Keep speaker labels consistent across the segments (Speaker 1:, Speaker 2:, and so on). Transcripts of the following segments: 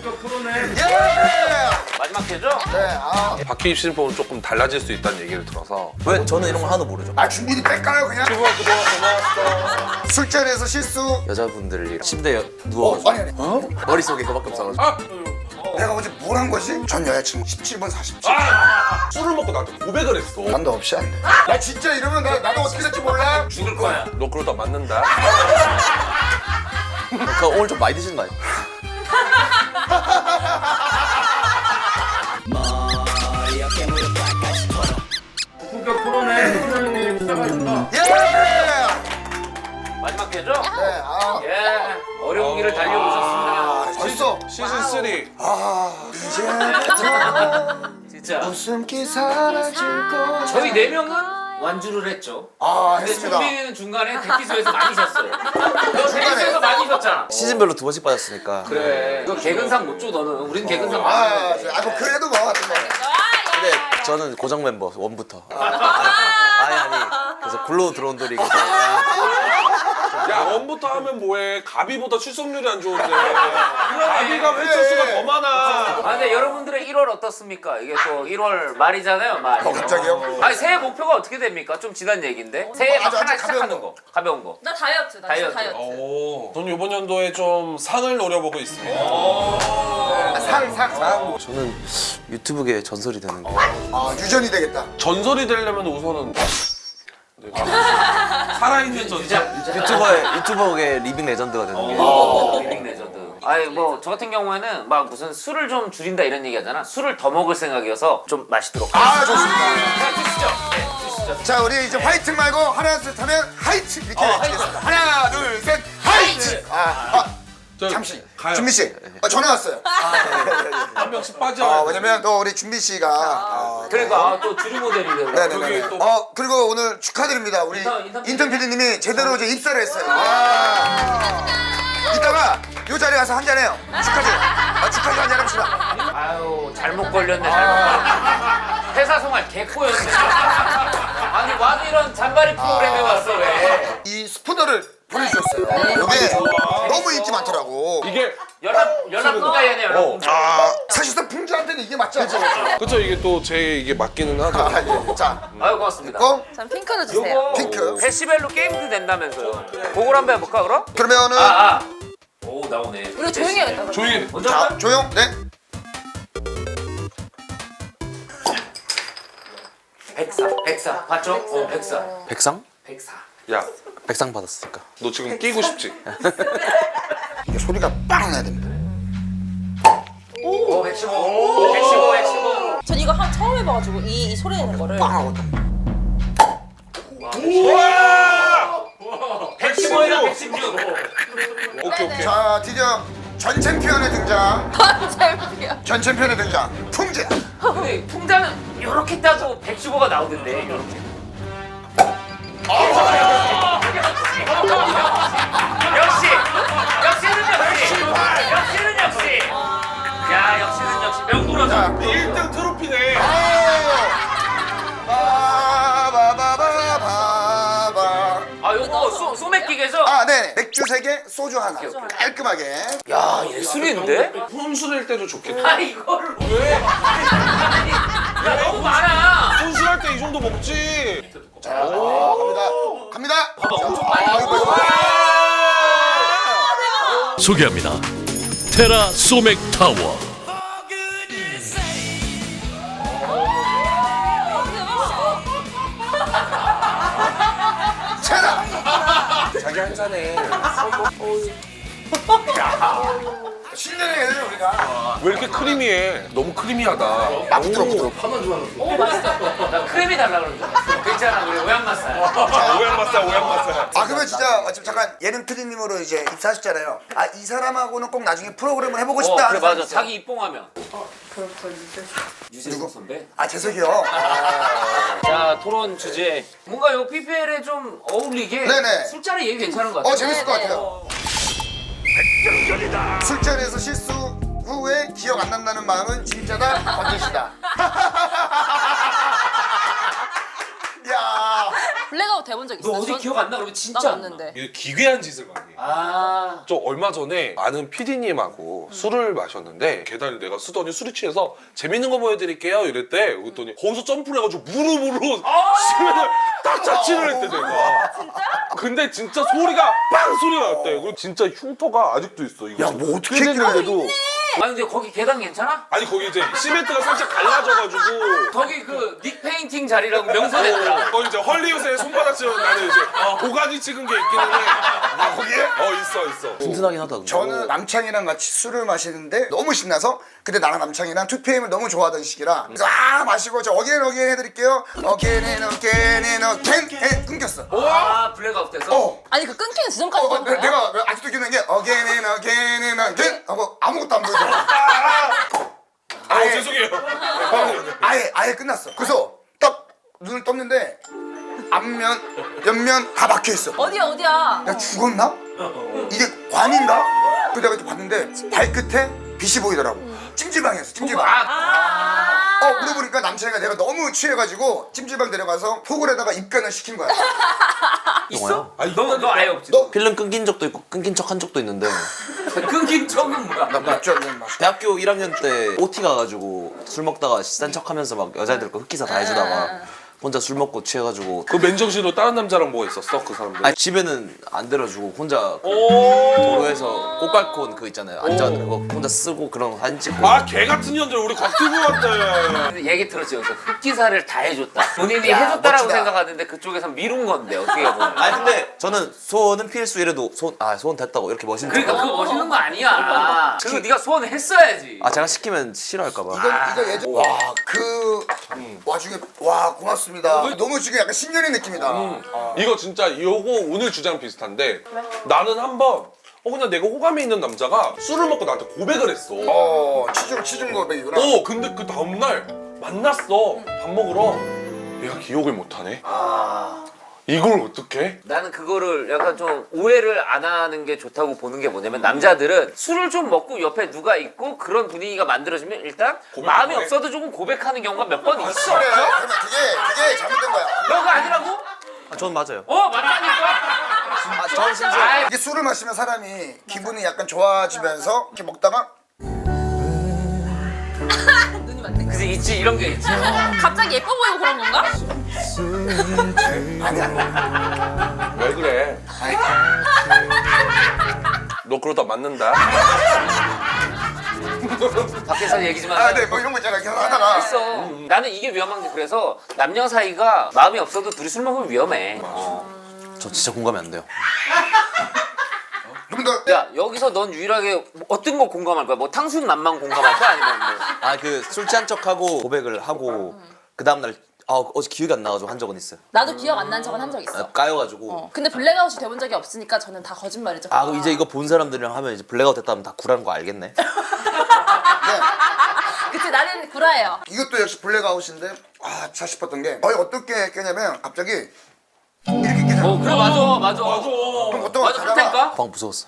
Speaker 1: 고품격 프로네.
Speaker 2: 예!
Speaker 1: 마지막 회죠?
Speaker 2: 네,
Speaker 3: 박희입 신법은 조금 달라질 수 있다는 얘기를 들어서
Speaker 4: 왜 저는 이런 거 하나도 모르죠.
Speaker 2: 준비를 뺄까요 그냥?
Speaker 3: 그동안 고마웠어.
Speaker 2: 술자리에서 실수.
Speaker 4: 여자분들이 침대에 누워가지고
Speaker 2: 아니.
Speaker 4: 머릿속에 그거밖에 없어가지고
Speaker 3: 아!
Speaker 2: 내가 어제 뭘 한 거지? 전 여자친구 17번 47.
Speaker 3: 술을 먹고 나한테 고백을 했어.
Speaker 2: 난도 없이 안 돼. 나 진짜 이러면 나도 어떻게 될지 몰라.
Speaker 1: 죽을 거야.
Speaker 3: 너 그러다 맞는다.
Speaker 4: 그러니까 오늘 좀 많이 드시는 거 아니에요?
Speaker 1: 고품격 프로네. 프로님 부탁합니다.
Speaker 2: 예!
Speaker 1: 마지막 회죠?
Speaker 2: 네,
Speaker 1: 예. 어려운 길을 달려오셨습니다.
Speaker 2: 벌써.
Speaker 3: 시즌 3.
Speaker 2: 이제부터
Speaker 1: 진짜.
Speaker 2: 웃음기 사라질 거야.
Speaker 1: 저희 4명은 완주를 했죠. 근데
Speaker 2: 했습니다.
Speaker 1: 준비는 중간에 대기소에서 많이 쉬었어요. 너 대기소에서 많이 쉬었잖아.
Speaker 4: 시즌별로 2번씩 빠졌으니까.
Speaker 1: 그래. 너 개근상 못 줘, 너는. 우린 개근상 못
Speaker 2: 뭐 그래도 뭐 같은 거.
Speaker 4: 근데 저는 고정 멤버 원부터. 아니. 그래서 굴러 들어온 돌이 계속.
Speaker 3: 야, 원부터 하면 뭐해? 가비보다 출석률이 안 좋은데. 가비가 회차수가 더 많아.
Speaker 1: 아, 근데 여러분들의 1월 어떻습니까? 이게 또 1월 말이잖아요, 말.
Speaker 2: 갑자기요?
Speaker 1: 아니, 새해 목표가 어떻게 됩니까? 좀 지난 얘기인데. 새해 막
Speaker 2: 아주
Speaker 1: 하나
Speaker 2: 가벼운
Speaker 1: 시작하는 거. 가벼운 거.
Speaker 5: 나 다이어트. 나
Speaker 1: 다이어트.
Speaker 5: 진짜 다이어트.
Speaker 3: 오. 저는 이번 연도에 좀 상을 노려보고 있습니다.
Speaker 2: 상.
Speaker 4: 저는 유튜브계 전설이 되는 거.
Speaker 2: 유전이 되겠다.
Speaker 3: 전설이 되려면 우선은 살아있는 전설.
Speaker 4: 유튜버계 리빙 레전드가 되는 게.
Speaker 1: 리빙 레전드. 아니 뭐 저 같은 경우에는 막 무슨 술을 좀 줄인다 이런 얘기 하잖아. 술을 더 먹을 생각이어서 좀 마시도록.
Speaker 2: 좋습니다.
Speaker 1: 자, 주시죠. 네, 주시죠.
Speaker 2: 자, 우리 이제 화이팅 말고 하나 둘 셋 하면 하이트 이렇게 외치겠습니다. 하나 둘 셋 하이트. 잠시.
Speaker 3: 가요.
Speaker 2: 준비 씨, 전화 왔어요.
Speaker 3: 한 명씩 빠져.
Speaker 2: 왜냐면 또 우리 준비 씨가
Speaker 1: 그러니까 또 주류 모델이 되고.
Speaker 2: 네네네.
Speaker 3: 그게 또-
Speaker 2: 그리고 오늘 축하드립니다. 우리 인턴 PD님이 제대로 이제 입사를 했어요. 이따가 요 자리에 가서 한잔 해요. 축하지 한잔 합시다.
Speaker 1: 아유 잘못 걸렸네 잘못 걸렸네. 회사 생활 개코였네. 아니 와도 이런 잔바리 프로그램에 왔어 왜?
Speaker 2: 이 스푸너를 보내주셨어요. 이게 너무 인기 많더라고.
Speaker 3: 이게
Speaker 1: 연합군가야네 연합군가.
Speaker 2: 사실상 풍주한테는 이게 맞지 않죠?
Speaker 3: 그쵸, 이게 또 제 이게 맞기는 하죠.
Speaker 2: 예. 자,
Speaker 1: 아유 고맙습니다.
Speaker 5: 전 핑크로 주세요.
Speaker 1: 요거
Speaker 2: 핑크.
Speaker 1: 데시벨로 게임도 된다면서요. 그걸 한번 해볼까 그럼?
Speaker 2: 그러면은
Speaker 1: 오 나오네.
Speaker 5: 우리가 조용히 해야겠다. 그럼.
Speaker 3: 조용히 해.
Speaker 1: 먼저
Speaker 2: 자,
Speaker 1: 할까요?
Speaker 2: 조용. 네.
Speaker 1: 백사 봤죠? 백사
Speaker 4: 백상?
Speaker 3: 야,
Speaker 4: 백상 받았으니까.
Speaker 3: 너 지금 끼고 싶지?
Speaker 2: 이게 소리가 빵 나야 됩니다.
Speaker 1: 오 115.
Speaker 5: 전 이거 처음 해봐가지고 이 소리 내는 거를.
Speaker 2: 빵 하고.
Speaker 1: 115이랑 116.
Speaker 3: 오케이.
Speaker 2: 자, 드디어 전 챔피언의 등장.
Speaker 5: 챔피언.
Speaker 2: 전 챔피언의 등장. 풍재.
Speaker 1: 근데 풍자는 이렇게 따도 115가 나오던데 이렇게. 역시는 역시. 야 역시는 역시 명불허자.
Speaker 3: 1등 트로피네.
Speaker 2: 바바바바바.
Speaker 1: 아 요거 소맥기계죠?
Speaker 2: 네. 맥주 3개, 소주 하나. 깔끔하게.
Speaker 1: 야 예술인데?
Speaker 3: 혼술할 때도 좋겠다.
Speaker 1: 아 이거를 왜? 야 너무 많아.
Speaker 3: 혼술할 때 이 정도 먹지.
Speaker 2: 자, 갑니다.
Speaker 1: 봐봐 엄청
Speaker 2: 자,
Speaker 1: 많이
Speaker 2: 이거
Speaker 1: 먹어.
Speaker 6: 소개합니다. 테라 소맥 타워.
Speaker 2: 차라.
Speaker 3: 자기 한 잔에.
Speaker 2: 신년에 해야 돼 우리가.
Speaker 3: 왜 이렇게 크리미해? 너무 크리미하다.
Speaker 2: 부드럽고.
Speaker 1: 오 맛있어. 나 크림이 달라 그러는 줄 알았어. 괜찮아 우리 오양맛살.
Speaker 3: 오양맛살.
Speaker 2: 그러면 진짜 지금 잠깐 예능 PD님으로 이제 입사하셨잖아요. 이 사람하고는 꼭 나중에 프로그램을 해보고 싶다
Speaker 1: 그래
Speaker 2: 하는
Speaker 1: 맞아.
Speaker 2: 사람 있어요?
Speaker 1: 자기 입봉하면. 유재석 선배.
Speaker 2: 재석이요.
Speaker 1: 자 토론 주제. 뭔가 요 PPL에 좀 어울리게.
Speaker 2: 네네.
Speaker 1: 술자리 얘기 괜찮은 것 같아.
Speaker 2: 재밌을 것 같아요. 술자리에서 실수 후에 기억 안 난다는 마음은 진짜다 건재시다. 야.
Speaker 5: 블랙아웃 술먹고 대본 적 있어요?
Speaker 1: 너 어디
Speaker 5: 전-
Speaker 1: 기억 안 나? 그러면
Speaker 5: 난
Speaker 1: 진짜 안 나.
Speaker 5: 없는데.
Speaker 3: 이게 기괴한 짓을 많이 해.
Speaker 1: 아.
Speaker 3: 저 얼마 전에 아는 PD님하고 술을 마셨는데 계단을 내가 쓰더니 술이 취해서 재밌는 거 보여드릴게요 이랬대. 그랬더니 거기서 점프를 해가지고 무릎으로 시멘을 딱 자취를 했대 내가. 진짜? 근데 진짜 소리가 빵 소리가 났대. 그리고 진짜 흉터가 아직도 있어 이거.
Speaker 2: 야, 뭐 어떻게 했길래도.
Speaker 1: 아니 근데 거기 계단 괜찮아?
Speaker 3: 아니 거기 이제 시멘트가 살짝 갈라져가지고
Speaker 1: 거기 그 닉 페인팅 자리라고 명선했더라.
Speaker 3: 거기 이제 헐리우드의 손바닥처럼 나는 이제 고가지 찍은 게 있기는 해.
Speaker 2: 아, 거기에?
Speaker 3: 있어.
Speaker 4: 튼튼하긴 하다. 근데.
Speaker 2: 저는 남창이랑 같이 술을 마시는데 너무 신나서 그때 나랑 남창이랑 2PM을 너무 좋아하던 시기라 그래서 마시고 저 어게인 해드릴게요. 어게인 끊겼어.
Speaker 1: 아 블랙아웃 돼서?
Speaker 5: 아니 그 끊기는 지점까지 본 거야?
Speaker 2: 내가 아직도 기억나는 게 어게인 하고 아무것도 안 보여줘.
Speaker 3: 죄송해요.
Speaker 2: 아예 끝났어. 그래서 딱 눈을 떴는데 앞면, 옆면 다 막혀 있어.
Speaker 5: 어디야?
Speaker 2: 내가 죽었나? 이게 관인가? 그래서 내가 또 봤는데 발끝에 빛이 보이더라고. 찜질방이었어, 찜질방. 물어보니까 남창이가 내가 너무 취해가지고 찜질방 데려가서 폭을에다가 입간을 시킨 거야.
Speaker 1: 있어?
Speaker 3: 아니,
Speaker 1: 너 아예 없지?
Speaker 4: 필름 끊긴 적도 있고 끊긴 척 한 적도 있는데
Speaker 1: 끊긴 척은 뭐야?
Speaker 2: 나 맥주 한잔 마셔.
Speaker 4: 대학교 1학년 때 OT 가가지고 술 먹다가 싼 척하면서 막 여자애들 거 흑기사 다 해주다가 혼자 술 먹고 취해가지고
Speaker 3: 그 맨정신으로 다른 남자랑 뭐가 있었어 그 사람들?
Speaker 4: 아니 집에는 안 데려주고 혼자 그 도로에서 꽃갈콘 그 있잖아요 앉아있는 거 혼자 쓰고 그런 거 사진 찍고
Speaker 3: 개 같은 년들 우리 곽튜브 같대.
Speaker 1: 얘기 들었지 여기서 흑기사를 다 해줬다. 본인이 해줬다라고
Speaker 2: 멋지다.
Speaker 1: 생각하는데 그쪽에서 미룬 건데 어떻게 보면.
Speaker 4: 아니 근데 저는 소원은 필수 이래도 소원 됐다고 이렇게 멋있는
Speaker 1: 그러니까
Speaker 4: 척
Speaker 1: 그거 멋있는 거 아니야. 그리고 네가 소원을 했어야지.
Speaker 4: 아 제가 시키면 싫어할까봐
Speaker 2: 이거 예전 그 와중에 고맙습니다. 너무 지금 약간 신년의 느낌이다.
Speaker 3: 이거 진짜 요거 오늘 주장 비슷한데 나는 한번 그냥 내가 호감이 있는 남자가 술을 먹고 나한테 고백을 했어.
Speaker 2: 치중 고백이구나.
Speaker 3: 근데 그 다음날 만났어. 밥 먹으러. 얘가 기억을 못하네. 이걸 어떡해?
Speaker 1: 나는 그거를 약간 좀 오해를 안 하는 게 좋다고 보는 게 뭐냐면 남자들은 술을 좀 먹고 옆에 누가 있고 그런 분위기가 만들어지면 일단 마음이
Speaker 3: 해?
Speaker 1: 없어도 조금 고백하는 경우가 몇 번 있어.
Speaker 2: 그래, 그러면 그게 잘못된 거야.
Speaker 1: 너가 아니라고?
Speaker 4: 전 맞아요
Speaker 1: 맞다니까.
Speaker 4: 전 진짜
Speaker 1: 아이,
Speaker 2: 이게 술을 마시면 사람이 기분이 약간 좋아지면서 이렇게 먹다가
Speaker 5: 눈이 맞네.
Speaker 1: 그치 있지 이런 게 있지.
Speaker 5: 갑자기 예뻐 보이고 그런 건가?
Speaker 3: 왜 그래? 너 그러다 맞는다.
Speaker 1: 밖에서 얘기 좀 하자.
Speaker 2: 네, 뭐 이런 거 있잖아. 하다가
Speaker 1: 있어. 나는 이게 위험한 게 그래서 남녀 사이가 마음이 없어도 둘이 술 먹으면 위험해.
Speaker 4: 저 진짜 공감이 안 돼요
Speaker 2: 좀 더.
Speaker 1: 야 여기서 넌 유일하게 어떤 거 공감할 거야? 뭐 탕수육 맛만 공감할 거야? 아니면 뭐?
Speaker 4: 아 그 술 취한 척하고 고백을 하고 그 다음날 어제 기억이 안 나가지고 한 적은 있어요
Speaker 5: 나도 기억 안 난 적은 한 적 있어.
Speaker 4: 까여가지고
Speaker 5: 근데 블랙아웃이 돼본 적이 없으니까 저는 다 거짓말이죠.
Speaker 4: 그럼 이제 이거 본 사람들이랑 하면 이제 블랙아웃 됐다면 다 구라는 거 알겠네
Speaker 5: 그치 나는 구라예요.
Speaker 2: 이것도 역시 블랙아웃인데 차 싶었던 게 거의 어떻게 깨냐면 갑자기 이렇게 깨잖아.
Speaker 1: 그래 맞아.
Speaker 2: 그럼 어떤 거
Speaker 1: 맞아
Speaker 2: 자다가
Speaker 1: 그렇다니까.
Speaker 4: 방 무서웠어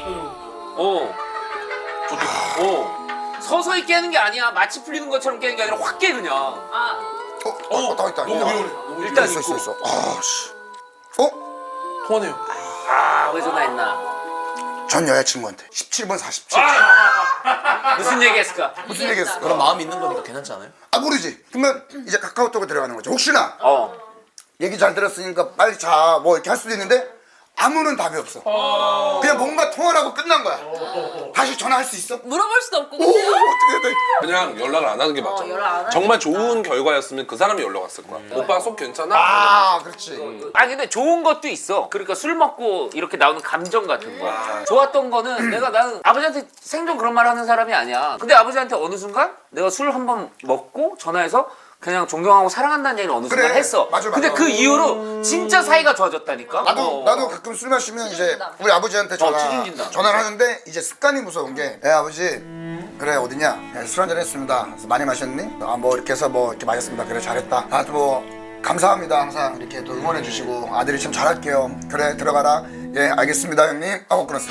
Speaker 1: 서서히 깨는 게 아니야. 마치 풀리는 것처럼 깨는 게 아니라 확 깨 그냥.
Speaker 2: 다 있다.
Speaker 3: 너무 위험해.
Speaker 1: 일단
Speaker 2: 있어.
Speaker 1: 있고.
Speaker 2: 씨.
Speaker 3: 통화네요.
Speaker 1: 왜 전화했나?
Speaker 2: 전 여자친구한테 17번 47.
Speaker 1: 무슨 얘기했을까?
Speaker 2: 무슨 얘기했어?
Speaker 4: 그럼 마음이 있는 거니까 괜찮지 않아요?
Speaker 2: 모르지. 그러면 이제 카카오톡에 들어가는 거죠. 혹시나
Speaker 1: 어.
Speaker 2: 얘기 잘 들었으니까 빨리 자 뭐 이렇게 할 수도 있는데 아무런 답이 없어. 그냥 뭔가 통화를 하고 끝난 거야. 다시 전화할 수 있어?
Speaker 5: 물어볼 수도 없고.
Speaker 2: 어떻게 해야 돼?
Speaker 3: 그냥 연락을 안 하는 게 맞아.
Speaker 5: 연락 안 하는
Speaker 3: 정말 좋은 결과였으면 그 사람이 연락 왔을 거야. 오빠 속 괜찮아?
Speaker 2: 그렇지.
Speaker 1: 근데 좋은 것도 있어. 그러니까 술 먹고 이렇게 나오는 감정 같은 거. 좋았던 거는 나는 아버지한테 생전 그런 말 하는 사람이 아니야. 근데 아버지한테 어느 순간 내가 술 한 번 먹고 전화해서 그냥 존경하고 사랑한다는 얘기를 어느 순간
Speaker 2: 그래.
Speaker 1: 했어.
Speaker 2: 맞아.
Speaker 1: 근데 그 이후로 진짜 사이가 좋아졌다니까.
Speaker 2: 나도 가끔 술 마시면 이제 우리 아버지한테
Speaker 1: 추진진다.
Speaker 2: 전화를 하는데 이제 습관이 무서운 게 아버지 그래 어디냐 술 한잔 했습니다. 그래서 많이 마셨니? 뭐 이렇게 해서 뭐 이렇게 마셨습니다. 그래 잘했다. 뭐 감사합니다. 항상 이렇게 또 응원해 주시고 아들이 참 잘할게요. 그래 들어가라. 예 알겠습니다 형님. 하고 끊었어.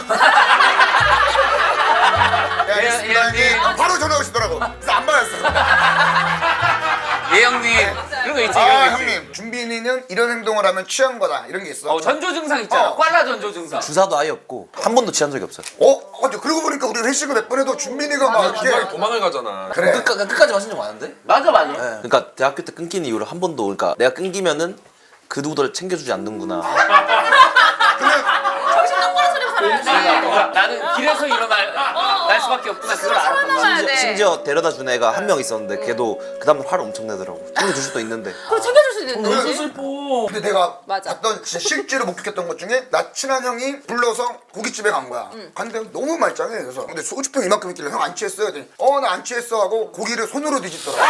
Speaker 2: 예 알겠습니다
Speaker 1: 예,
Speaker 2: 형님. 바로 전화 오시더라고. 그래서 안 받았어.
Speaker 1: 예 형님. 그리고 그런 거 있지. 그런 거
Speaker 2: 아
Speaker 1: 있지.
Speaker 2: 형님 준빈이는 이런 행동을 하면 취한 거다 이런 게 있어.
Speaker 1: 전조 증상 있잖아.
Speaker 2: 어.
Speaker 1: 꽐라 전조 증상.
Speaker 4: 주사도 아예 없고 한 번도 취한 적이 없어요.
Speaker 2: 근데 그러고 보니까 우리 회식을 몇 번 해도 준빈이가 막
Speaker 3: 중간에
Speaker 2: 이렇게
Speaker 3: 도망을 가잖아.
Speaker 2: 그래.
Speaker 4: 끝까지 마신 적 많은데?
Speaker 1: 맞아.
Speaker 4: 네. 그러니까 대학교 때 끊긴 이후로 한 번도 그러니까 내가 끊기면은 그 누구도 챙겨주지 않는구나.
Speaker 5: 정신 똑바로 차리고 살아야지.
Speaker 1: 나는 길에서 날 수밖에 없구나. 그걸 알았던 거야.
Speaker 5: 살아남아야 돼.
Speaker 4: 심지어 데려다 준 애가 한 명 있었는데 걔도 그 다음날 화를 엄청 내더라고. 챙겨줄 수도 있는데.
Speaker 5: 그걸 챙겨줄 수 있는 거지.
Speaker 3: 슬퍼.
Speaker 2: 근데 내가
Speaker 5: 맞아.
Speaker 2: 봤던 진짜 실제로 목격했던 것 중에 나 친한 형이 불러서 고깃집에 간 거야. 갔는데 너무 말짱해. 그래서 근데 소주병 이만큼 있길래 형 안 취했어요? 그랬더니 나 안 취했어 하고 고기를 손으로 뒤집더라.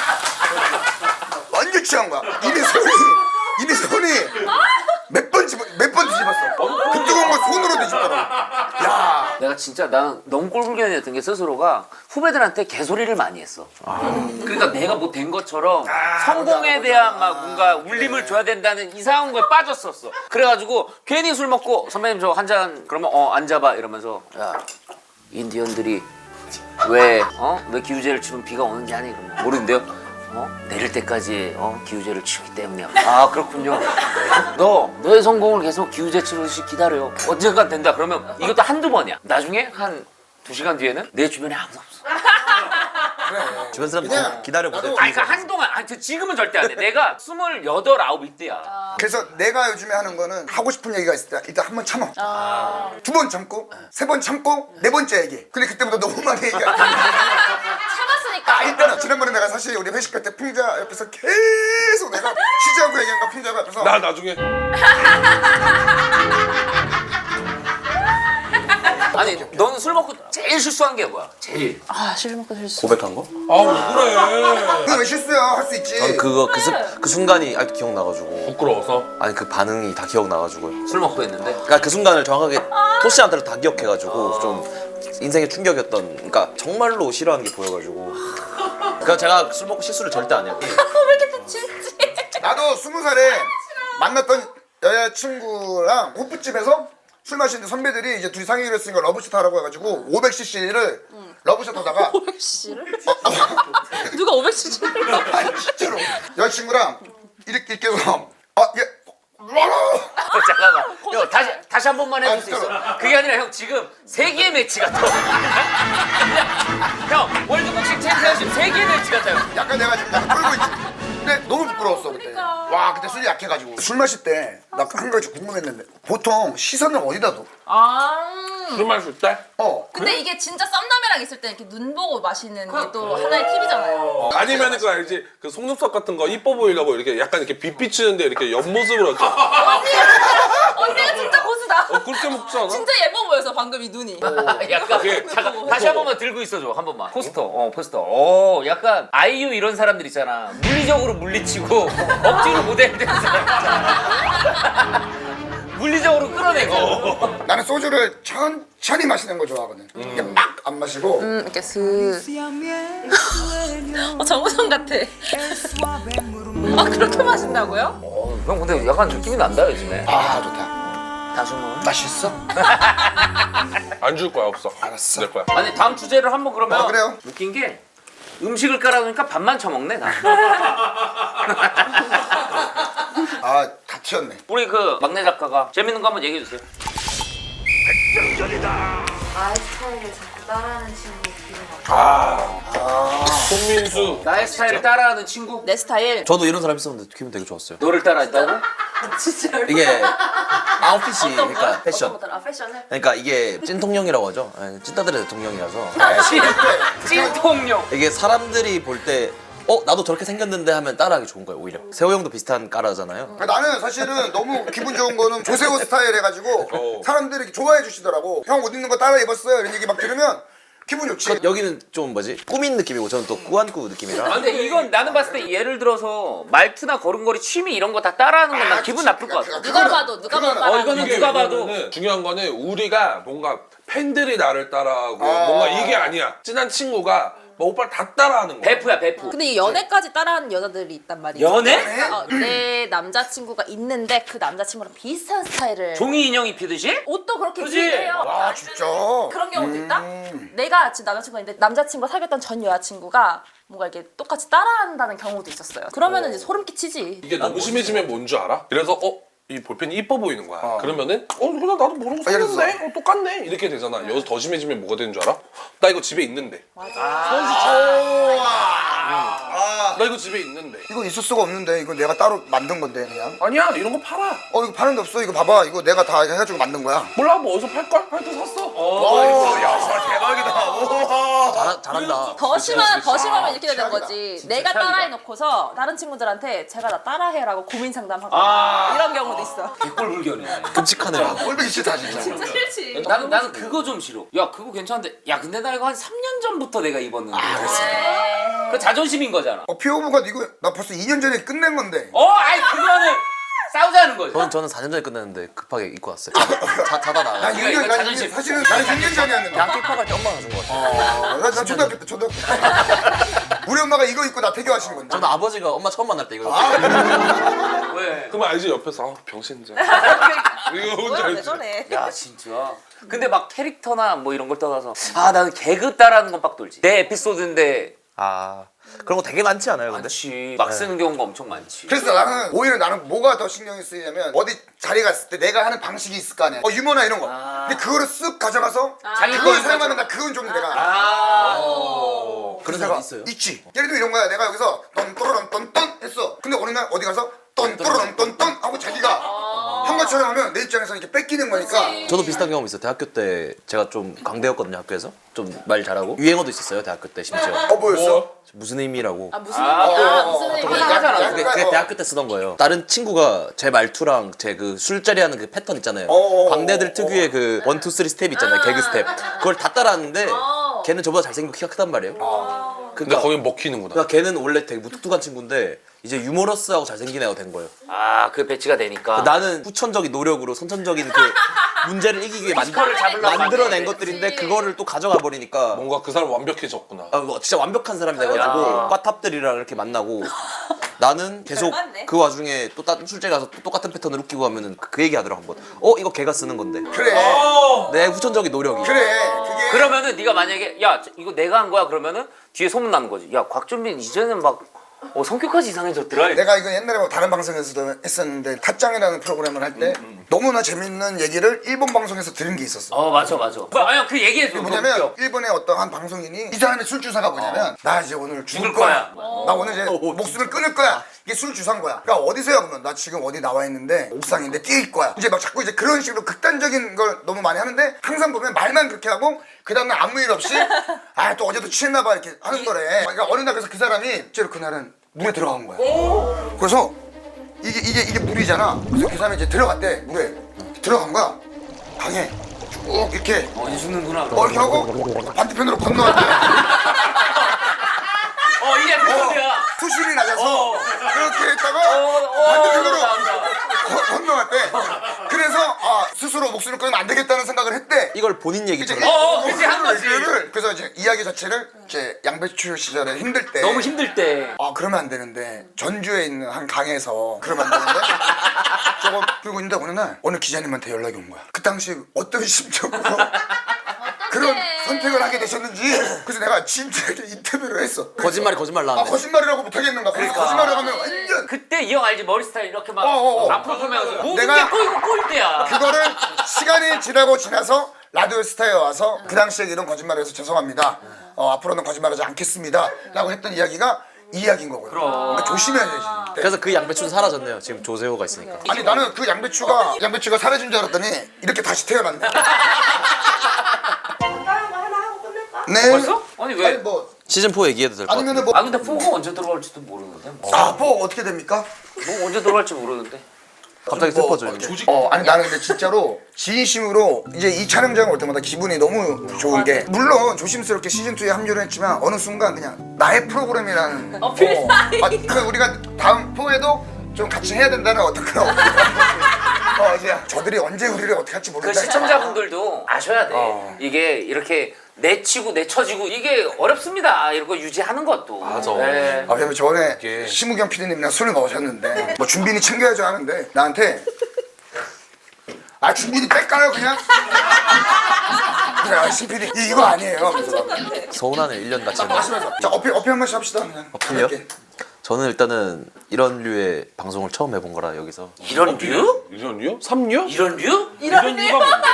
Speaker 2: 완전 취한 거야. 이미 손이 몇 번 뒤집었어. 그 뜨거운 걸 손으로 뒤집더라. 야.
Speaker 1: 내가 진짜 나는 너무 꼴불견이었던 게 스스로가 후배들한테 개소리를 많이 했어. 그러니까 내가 뭐 된 것처럼 성공에 대한 막 뭔가 울림을 줘야 된다는 이상한 거에 빠졌었어. 그래가지고 괜히 술 먹고 선배님 저 한 잔 그러면 앉아봐 이러면서 야 인디언들이 왜 기우제를 치면 비가 오는지 아니 그러면 모르는데요. 내릴 때까지 기우제를 치기 때문이야. 아 그렇군요. 너의 성공을 계속 기우제 치듯이 기다려. 언젠간 된다. 그러면 이것도 한두 번이야. 나중에 한 2시간 뒤에는 내 주변에 아무도 없어.
Speaker 4: 주변 사람들
Speaker 2: 그냥
Speaker 4: 기다려보세요.
Speaker 2: 나도-
Speaker 1: 아니 그러니까 한동안 지금은 절대 안 돼. 내가 28, 9 이때야.
Speaker 2: 그래서 내가 요즘에 하는 거는 하고 싶은 얘기가 있을 때 일단 한 번 참아. 2번 참고 3번 참고 4번째 얘기. 근데 그때부터 너무 많이 얘기해.
Speaker 5: 참았으니까.
Speaker 2: 일단은 지난번에 내가 사실 우리 회식할 때 풍자 옆에서 계속 내가 쉬지 않고 얘기한 거 풍자가 옆에서
Speaker 3: 나 나중에
Speaker 1: 아니 너는 술 먹고 제일 실수한 게 뭐야? 제일.
Speaker 5: 아, 술 먹고 실수.
Speaker 4: 고백한 거?
Speaker 3: 아 그래.
Speaker 2: 그게 왜 실수야? 할 수 있지.
Speaker 4: 전 그 순간이 아직도 기억나가지고.
Speaker 3: 부끄러워서.
Speaker 4: 아니 그 반응이 다 기억나가지고요.
Speaker 1: 술 먹고 했는데.
Speaker 4: 그러니까 그 순간을 정확하게 토시한테를 다 기억해가지고 좀 인생의 충격이었던. 그러니까 정말로 싫어하는 게 보여가지고. 그러니까 제가 술 먹고 실수를 절대 안 해요.
Speaker 5: 왜 이렇게 또 진지?
Speaker 2: 나도 20살에 만났던 여자친구랑 호프집에서 술 마시는데 선배들이 이제 둘이 상의를 했으니까 러브샷 하라고 해가지고 500cc를 러브샷 하다가
Speaker 5: 500cc를? 누가 500cc를?
Speaker 2: 아니 진짜로 여자친구랑 이렇게 해서
Speaker 1: 잠깐만. 형 다시 한 번만 해줄 수
Speaker 2: 진짜로.
Speaker 1: 있어. 그게 아니라 형 지금 세계 매치 같아. 형 월드복싱 챔피언십 세계 매치 같아요.
Speaker 2: 약간 내가 지금 약간 떨고 있지. 근데 너무 부끄러웠어 그때. 와 그때 술이 약해가지고. 술 마실 때 나 한 가지 궁금했는데 보통 시선을 어디다 둬?
Speaker 3: 술 마실 때?
Speaker 5: 근데 이게 진짜 썸남이랑 있을 때 이렇게 눈 보고 마시는 게 또 하나의 팁이잖아요.
Speaker 3: 아니면 그거 알지? 그 속눈썹 같은 거 이뻐 보이려고 이렇게 약간 이렇게 빛 비치는데 이렇게 옆모습으로 이렇게
Speaker 5: 언니가 진짜 고수다.
Speaker 3: 그렇게 먹지 않아?
Speaker 5: 진짜 예뻐 보여서 방금 이 눈이.
Speaker 1: 약간 잠깐 다시 한 번만 들고 있어줘 한 번만. 포스터. 포스터. 약간 아이유 이런 사람들 있잖아. 물리적으로 물리치고 억지로 모델 되는 사람 있잖아. 물리적으로 끌어내고.
Speaker 2: 나는 소주를 천천히 마시는 거 좋아하거든. 이게 막 안 마시고.
Speaker 5: 이렇게 슥. 정우성 같아. 그렇게 마신다고요?
Speaker 1: 형 근데 약간 느낌이 난다 요즘에.
Speaker 2: 아 좋다.
Speaker 1: 다시 한 번.
Speaker 2: 맛있어?
Speaker 3: 안 줄 거야 없어.
Speaker 2: 알았어.
Speaker 3: 내 거야.
Speaker 1: 아니 다음 주제를 한번 그러면.
Speaker 2: 그래요.
Speaker 1: 웃긴 게 음식을 깔아놓으니까 밥만 처먹네 나.
Speaker 2: 다 튀었네.
Speaker 1: 우리 그 막내 작가가 재밌는 거 한번 얘기해 주세요.
Speaker 7: 나의 스타일을 자꾸 따라하는 친구 기분 나빠.
Speaker 3: 손민수.
Speaker 1: 나의 스타일을 따라하는 친구.
Speaker 5: 내 스타일.
Speaker 4: 저도 이런 사람 있었는데 기분 되게 좋았어요.
Speaker 1: 너를 따라했다고?
Speaker 5: 진짜.
Speaker 4: 이게 아웃핏이 그러니까 패션.
Speaker 5: 아 패션을?
Speaker 4: 그러니까 이게 찐통령이라고 하죠. 예, 찐따들의 대통령이라서
Speaker 1: 찐통령.
Speaker 4: 이게 사람들이 볼 때 나도 저렇게 생겼는데 하면 따라하기 좋은 거예요 오히려. 세호 형도 비슷한 까라잖아요.
Speaker 2: 나는 사실은 너무 기분 좋은 거는 조세호 스타일 해가지고 사람들이 이렇게 좋아해 주시더라고. 형 옷 입는 거 따라 입었어요 이런 얘기 막 들으면 기분 좋지.
Speaker 4: 여기는 좀 뭐지 꾸민 느낌이고 저는 또 꾸안꾸 느낌이라.
Speaker 1: 아, 근데 이건 나는 봤을 때 예를 들어서 말투나 걸음걸이 취미 이런 거 다 따라하는 건 난 기분 나쁠 것 같아.
Speaker 5: 누가 봐도 누가 봐도.
Speaker 2: 그거는-
Speaker 1: 이거는
Speaker 3: 이게
Speaker 1: 누가 봐도.
Speaker 3: 왜냐면은 중요한 거는 우리가 뭔가 팬들이 나를 따라하고 뭔가 이게 아니야. 친한 친구가 막 오빠를 다 따라하는 거야.
Speaker 1: 베프야 베프.
Speaker 5: 근데 이 연애까지 따라하는 여자들이 있단 말이죠.
Speaker 1: 연애?
Speaker 5: 내 남자친구가 있는데 그 남자친구랑 비슷한 스타일을
Speaker 1: 종이 인형 입히듯이?
Speaker 5: 옷도 그렇게
Speaker 1: 그치?
Speaker 5: 입는데요.
Speaker 2: 아 진짜.
Speaker 5: 그런 경우도 있다? 내가 지금 남자친구가 있는데 남자친구가 사귀었던 전 여자친구가 뭔가 이렇게 똑같이 따라한다는 경우도 있었어요. 그러면은 이제 소름 끼치지.
Speaker 3: 이게 너무 심해지면 뭔 줄 알아? 그래서 이 볼펜이 이뻐 보이는 거야. 그러면은 그냥 나도 모르고 샀는데 똑같네 이렇게 되잖아. 여기서 더 심해지면 뭐가 되는 줄 알아? 나 이거 집에 있는데. 나 이거 집에 있는데.
Speaker 2: 이거 있을 수가 없는데 이거 내가 따로 만든 건데 그냥.
Speaker 3: 아니야 이런 거 팔아.
Speaker 2: 이거 파는 데 없어. 이거 봐봐. 이거 내가 다 해가지고 만든 거야.
Speaker 3: 몰라 뭐 어디서 팔걸? 팔도 샀어.
Speaker 2: 야 정말 대박이다. 우와.
Speaker 4: 잘한다.
Speaker 5: 더 심하면 이렇게 되는
Speaker 2: 최악이다.
Speaker 5: 거지.
Speaker 1: 진짜
Speaker 5: 내가
Speaker 1: 최악이다.
Speaker 5: 따라해놓고서 다른 친구들한테 제가 나 따라해라고 고민 상담하고 이런 경우도 있어.
Speaker 1: 개꼴불견이네.
Speaker 4: 끔찍하네요.
Speaker 2: 꼴보기 싫다 진짜.
Speaker 5: 진짜 싫지.
Speaker 1: 나는 그거 좀 싫어. 야 그거 괜찮은데. 야 근데 나 이거 한 3년 전부터 내가 입었는데. 그 자존심인 거잖아.
Speaker 2: 피오브가 이거 나 벌써 2년 전에 끝낸 건데.
Speaker 1: 아이 그거는 싸우자는 거죠.
Speaker 4: 저는 4년 전에 끝냈는데 급하게 입고 왔어요. 자다 나가.
Speaker 2: 난
Speaker 1: 이거
Speaker 2: 6년, 난
Speaker 1: 자존심.
Speaker 2: 이게 사실은 나는 6년 전이었는데.
Speaker 4: 대학교 입학할 때 엄마가 준 것 같아요.
Speaker 2: 나 초등학교 때 우리 엄마가 이거 입고 나 태교하신 건데.
Speaker 4: 저는 아버지가 엄마 처음 만날 때 이거
Speaker 1: 왜?
Speaker 3: 그러면 알지 옆에서 병신자. 이거 뭔지
Speaker 5: 왜
Speaker 3: 알지?
Speaker 5: 저래?
Speaker 1: 야 진짜. 근데 막 캐릭터나 뭐 이런 걸 떠나서 나는 개그 따라하는 건 빡 돌지. 내 에피소드인데
Speaker 4: 그런 거 되게 많지 않아요, 근데?
Speaker 1: 많지. 막 쓰는 경우가 엄청 많지.
Speaker 2: 그래서 나는 오히려 나는 뭐가 더 신경이 쓰이냐면 어디 자리 갔을 때 내가 하는 방식이 있을 거 아니야. 유머나 이런 거. 근데 그거를 쓱 가져가서
Speaker 1: 자기
Speaker 2: 그걸
Speaker 1: 거인
Speaker 2: 사용하는 나 그건 좀 내가.
Speaker 4: 그런
Speaker 2: 그래서
Speaker 4: 사람
Speaker 2: 내가
Speaker 4: 있어요?
Speaker 2: 있지. 예를 들면 이런 거야. 내가 여기서 떤또로런 떤떤 했어. 근데 어느 날 어디 가서 떤또로런 떤떤 하고 자기가 한 것처럼 하면 내 입장에서 이렇게 뺏기는 거니까.
Speaker 4: 저도 비슷한 경험 있어요. 대학교 때 제가 좀 광대였거든요, 학교에서. 좀 말 잘하고. 유행어도 있었어요, 대학교 때 심지어.
Speaker 2: 뭐였어?
Speaker 4: 무슨 의미라고.
Speaker 5: 무슨 무슨
Speaker 1: 그거
Speaker 5: 얘기야?
Speaker 1: 하잖아.
Speaker 4: 그게 대학교 때 쓰던 거예요. 다른 친구가 제 말투랑 제 그 술자리 하는 그 패턴 있잖아요. 광대들 특유의 그 1, 2, 3 스텝 있잖아요. 개그 스텝. 그걸 다 따라하는데 걔는 저보다 잘생기고 키가 크단 말이에요.
Speaker 3: 근데 거긴 먹히는구나.
Speaker 4: 그러니까 걔는 원래 되게 무뚝뚝한 친구인데 이제 유머러스하고 잘생긴 애가 된 거예요.
Speaker 1: 그 배치가 되니까.
Speaker 4: 나는 후천적인 노력으로 선천적인 그 문제를 이기기 위해
Speaker 1: 피지컬을 잡으려고
Speaker 4: 만들어낸
Speaker 1: 만드는데.
Speaker 4: 것들인데 그거를 또 가져가 버리니까
Speaker 3: 뭔가 그 사람 완벽해졌구나.
Speaker 4: 진짜 완벽한 사람이 돼가지고 과탑들이랑 이렇게 만나고 나는 계속
Speaker 5: 맞네.
Speaker 4: 그 와중에 또 다른 술자리 가서 또 똑같은 패턴을 웃기고 하면은 그 얘기 하더라고 한번. 이거 걔가 쓰는 건데.
Speaker 2: 그래.
Speaker 4: 내 후천적인 노력이.
Speaker 2: 그래. 그게
Speaker 1: 그러면은 네가 만약에 이거 내가 한 거야 그러면은 뒤에 소문 나는 거지. 야 곽준빈 이제는 막 성격까지 이상해졌더라.
Speaker 2: 내가 이거 옛날에 뭐 다른 방송에서도 했었는데 탓짱이라는 프로그램을 할 때 너무나 재밌는 얘기를 일본 방송에서 들은 게 있었어.
Speaker 1: 맞아. 아니 그 얘기해줘.
Speaker 2: 뭐냐면 일본의 어떤 한 방송인이 이 사람의 술 주사가 뭐냐면 나 이제 오늘 죽을
Speaker 1: 죽을
Speaker 2: 거야.
Speaker 1: 거야.
Speaker 2: 나 오늘 이제 목숨을 끊을 거야. 이게 술 주사인 거야. 그러니까 어디서야 그러면 나 지금 어디 나와 있는데 옥상인데 뛰일 거야. 이제 막 자꾸 이제 그런 식으로 극단적인 걸 너무 많이 하는데 항상 보면 말만 그렇게 하고 그 다음날 아무 일 없이 또 어제도 취했나 봐 이렇게 하는 거래. 그러니까 어느 날 그래서 그 사람이 실제로 그날은 물에 들어간 거야. 그래서 이게 물이잖아. 그래서 그 사람이 이제 들어갔대. 물에 들어간 거야. 강에 쭉 이렇게
Speaker 1: 이제 죽는구나.
Speaker 2: 이렇게 하고 반대편으로 건너왔대.
Speaker 1: 이게 에피소드야.
Speaker 2: 수심이 낮아서 이렇게 했다가 반대편으로 건너왔대. 그래서 스스로 목숨을 끊으면 안 되겠다는 생각을 했대.
Speaker 4: 이걸 본인 얘기처럼.
Speaker 1: 그치, 한 거지.
Speaker 2: 그래서 이제 이야기 자체를 이제 양배추 시절에 힘들 때
Speaker 1: 너무 힘들 때.
Speaker 2: 그러면 안 되는데 전주에 있는 한 강에서 그러면 안 되는데 저거 들고 있는데 어느 기자님한테 연락이 온 거야. 그 당시 어떤 심정으로 그런 선택을 하게 되셨는지. 그래서 내가 진짜 인터뷰를 했어.
Speaker 4: 거짓말 나왔네.
Speaker 2: 거짓말이라고 못하겠는가. 거짓말을 하면 완전
Speaker 1: 그때 이 형 알지? 머리 스타일 이렇게 막 앞으로 보면서 모든
Speaker 2: 내가
Speaker 1: 게 꼬이고 꼬일 때야.
Speaker 2: 그거를 시간이 지나서 라디오 스타에 와서 그 당시에 이런 거짓말을 해서 죄송합니다. 앞으로는 거짓말하지 않겠습니다. 라고 했던 이야기가 이 이야기인 거고요. 그러니까 조심해야 되지.
Speaker 4: 그래서 그 양배추는 사라졌네요. 지금 조세호가 있으니까.
Speaker 2: 아니 나는 그 양배추가 사라진 줄 알았더니 이렇게 다시 태어났네.
Speaker 7: 다른 거 하나 하고 끝낼까?
Speaker 2: 네.
Speaker 1: 벌써? 아니 왜?
Speaker 2: 아니 뭐
Speaker 4: 시즌 4 얘기해도 될 것 같아요.
Speaker 2: 아니면은 뭐
Speaker 1: 근데 포가 언제 들어갈지도 모르는데.
Speaker 2: 뭐 어떻게 됩니까?
Speaker 1: 뭐 언제 들어갈지 모르는데.
Speaker 4: 갑자기 슬퍼져요.
Speaker 2: 아니 나는 근데 진짜로 진심으로 이제 이 촬영장 올 때마다 기분이 너무 좋은 게 물론 조심스럽게 시즌 2에 합류를 했지만 어느 순간 그냥 나의 프로그램이라는
Speaker 5: 필살기.
Speaker 2: 우리가 다음 4에도 좀 같이 해야 된다는 어떤 그런 이제 저들이 언제 우리를 어떻게 할지
Speaker 1: 그
Speaker 2: 모른다.
Speaker 1: 시청자분들도 아셔야 돼. 이게 이렇게 내치고 내쳐지고 이게 어렵습니다. 이런 거 유지하는 것도.
Speaker 3: 맞아.
Speaker 1: 네.
Speaker 2: 아, 그리고 저번에
Speaker 3: 이게-
Speaker 2: 심우경 PD님이랑 술을 먹으셨는데 뭐 준빈이 챙겨야죠 하는데 나한테 아 준빈이 뺄까요 그냥? 그래 아 신PD 이거 아니에요. 그래서
Speaker 4: 서운하네 1년 같이 했는데.
Speaker 2: 마시면서 자 어필 한 번씩 합시다 그냥.
Speaker 4: 어필이요?
Speaker 2: 이렇게.
Speaker 4: 저는 일단은 이런 류의 방송을 처음 해본 거라 여기서
Speaker 1: 이런 류?
Speaker 3: 이런 류? 3류?
Speaker 1: 이런 류?
Speaker 3: 이런 류가 뭔데?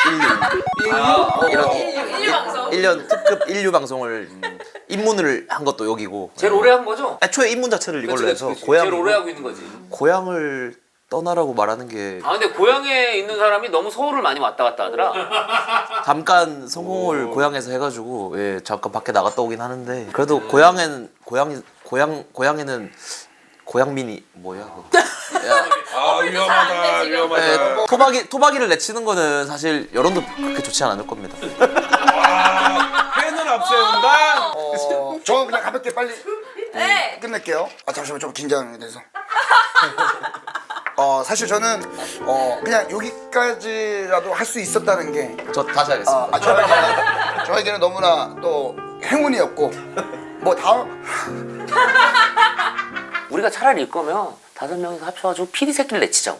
Speaker 5: 1류 방송.
Speaker 4: 1년 특급 1류 방송을 입문을 한 것도 여기고
Speaker 1: 제일 오래 한 거죠?
Speaker 4: 애초에 입문 자체를 이걸로
Speaker 1: 그치,
Speaker 4: 해서
Speaker 1: 그치, 그치. 제일 오래
Speaker 4: 고향
Speaker 1: 하고 있는 거지.
Speaker 4: 고향을 떠나라고 말하는 게
Speaker 1: 아 근데 고향에 있는 사람이 너무 서울을 많이 왔다 갔다 하더라.
Speaker 4: 잠깐 성공을 고향에서 해가지고 예 잠깐 밖에 나갔다 오긴 하는데 그래도 고향에는 고향민이 뭐야? 야,
Speaker 3: 아 위험하다 위험하다.
Speaker 4: 예, 토박이를 내치는 거는 사실 여론도 그렇게 좋지 않을 겁니다.
Speaker 3: 와 팬을 앞세운다.
Speaker 2: 저 그냥 가볍게 빨리
Speaker 5: 네.
Speaker 2: 끝낼게요. 아 잠시만 좀 긴장이 돼서. 사실 저는 그냥 여기까지라도 할 수 있었다는 게
Speaker 4: 저 다시 하겠습니다.
Speaker 2: 저에게는 너무나 또 행운이었고 뭐 다음
Speaker 1: 우리가 차라리 일 거면 5명이서 합쳐가지고 PD 새끼를 내치자고.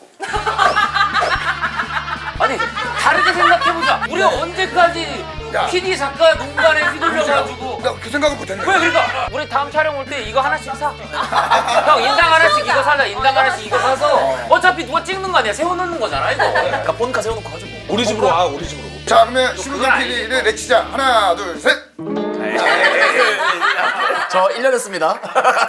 Speaker 1: 아니 다르게 생각해보자. 우리가 언제까지
Speaker 2: 야.
Speaker 1: PD 작가 농간에 휘둘려가지고
Speaker 2: 나 그 생각을 못했네.
Speaker 1: 왜 그러니까 우리 다음 촬영 올 때 이거 하나씩 사. 형 인당 하나씩 이거 사자. 인당 하나씩 이거 사서 어차피 누가 찍는 거 아니야. 세워놓는 거잖아 이거.
Speaker 4: 그러니까 본카 세워놓고 하죠 뭐.
Speaker 3: 우리 집으로 와 우리 집으로.
Speaker 2: 자 그러면 심우경
Speaker 1: 그건
Speaker 2: PD를 내치자. 하나 둘 셋.
Speaker 4: 저 1년 했습니다.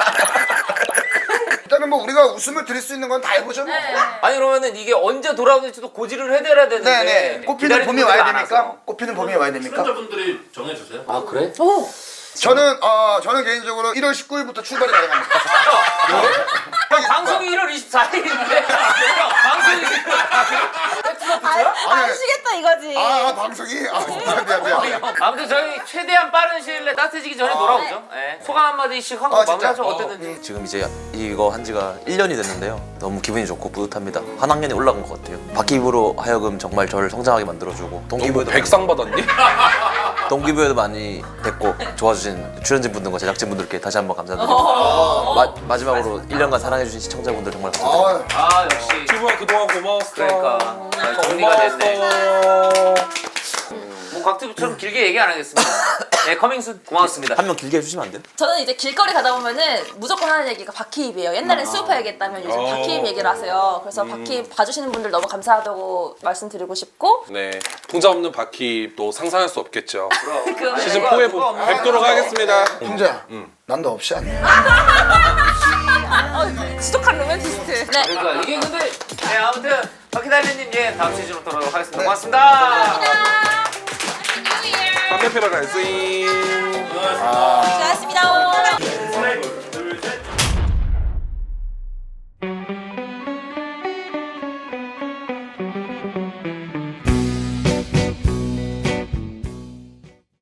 Speaker 2: 일단은 뭐 우리가 웃음을 드릴 수 있는 건 다 해보죠 뭐.
Speaker 1: 아니 그러면은 이게 언제 돌아오는지도 고지를 해드려야 되는데.
Speaker 2: 네네. 꽃피는
Speaker 1: 기다리는
Speaker 2: 봄이
Speaker 1: 분들이
Speaker 2: 와야
Speaker 1: 많아서.
Speaker 2: 됩니까? 꽃피는 봄이 와야 됩니까?
Speaker 8: 출연자분들이 정해주세요.
Speaker 1: 아 그래?
Speaker 2: 저는 개인적으로 1월 19일부터 출발이 가능합니다.
Speaker 1: 방송이 1월 24일인데 방송이
Speaker 5: 아시겠다 이거지.
Speaker 2: 방송이 미안.
Speaker 1: 아무튼 저희 최대한 빠른 시일 내에 따뜻해지기 전에 돌아오죠. 예. 소감 한마디씩 하고
Speaker 2: 진짜?
Speaker 1: 마무리하죠. 어땠는지.
Speaker 4: 지금 이제 이거 한 지가 1년이 됐는데요. 너무 기분이 좋고 뿌듯합니다. 한 학년이 올라간 것 같아요. 바퀴부로 하여금 정말 저를 성장하게 만들어주고 동기부여도
Speaker 3: 백상 받았니?
Speaker 4: 동기부여도 많이 됐고 좋아주신 출연진분들과 제작진분들께 다시 한번 감사드리고 마지막으로 1년간 사랑해주신 시청자분들 정말 감사드립니다.
Speaker 1: 아 역시.
Speaker 3: 피부야 그동안 고마웠어.
Speaker 1: 그러니까 잘 정리가 됐네. 뭐 곽튜브처럼 길게 얘기 안 하겠습니다. 네 커밍순 고맙습니다.
Speaker 4: 한 명 길게 해주시면 안 돼요?
Speaker 5: 저는 이제 길거리 가다 보면은 무조건 하는 얘기가 바퀴입이에요. 옛날엔 수우파 얘기했다면 요즘 바퀴입 얘기를 하세요. 그래서 바퀴입 봐주시는 분들 너무 감사하다고 말씀드리고 싶고
Speaker 3: 네 풍자 없는 바퀴 또 상상할 수 없겠죠.
Speaker 5: 그
Speaker 3: 시즌 4에 뵙도록 하겠습니다.
Speaker 2: 풍자야. 난 너 없이 안 돼.
Speaker 5: 지독한 로맨티스트. 네.
Speaker 1: 그러니까 이게 근데 네 아무튼 바퀴달리님 예 다음 시즌으로 돌아오도록 하겠습니다. 고맙습니다.
Speaker 3: 담배 피러 갈지.
Speaker 5: 고맙습니다.